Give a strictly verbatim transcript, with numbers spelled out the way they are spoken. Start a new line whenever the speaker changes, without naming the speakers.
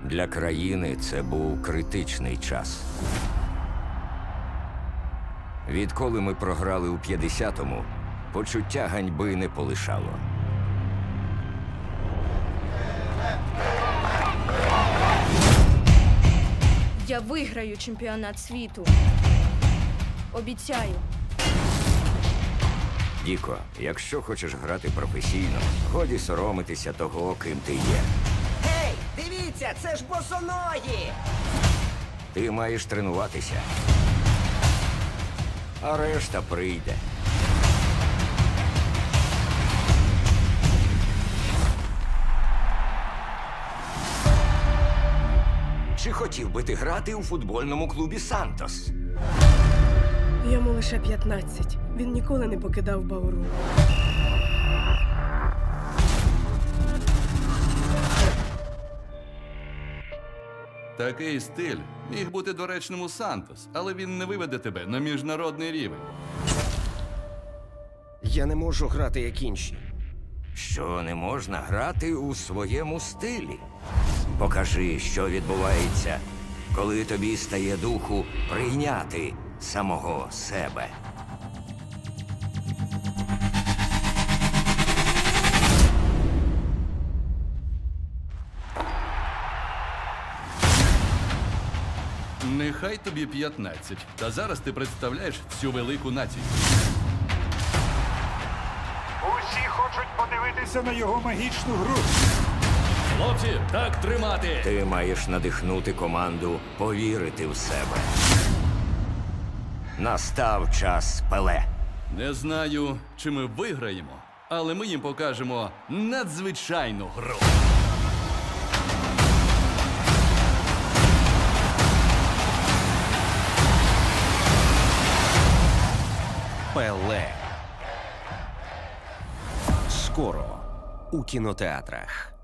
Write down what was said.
Для країни це був критичний час. Відколи ми програли у п'ятдесятому, почуття ганьби не полишало.
Я виграю чемпіонат світу. Обіцяю.
Діко, якщо хочеш грати професійно, годі соромитися того, ким ти є.
Гей, дивіться, це ж босоногі!
Ти маєш тренуватися. А решта прийде. Чи хотів би ти грати у футбольному клубі «Сантос»?
Йому лише п'ятнадцять. Він ніколи не покидав Бауру.
Такий стиль міг бути доречним у Сантос, але він не виведе тебе на міжнародний рівень.
Я не можу грати, як інші.
Що не можна грати у своєму стилі? Покажи, що відбувається, коли тобі стає духу прийняти самого себе.
Нехай тобі п'ятнадцять, та зараз ти представляєш всю велику націю.
Усі хочуть подивитися на його магічну гру.
Хлопці, так тримати!
Ти маєш надихнути команду повірити в себе. Настав час Пеле.
Не знаю, чи ми виграємо, але ми їм покажемо надзвичайну гру.
Пеле. Скоро у кінотеатрах.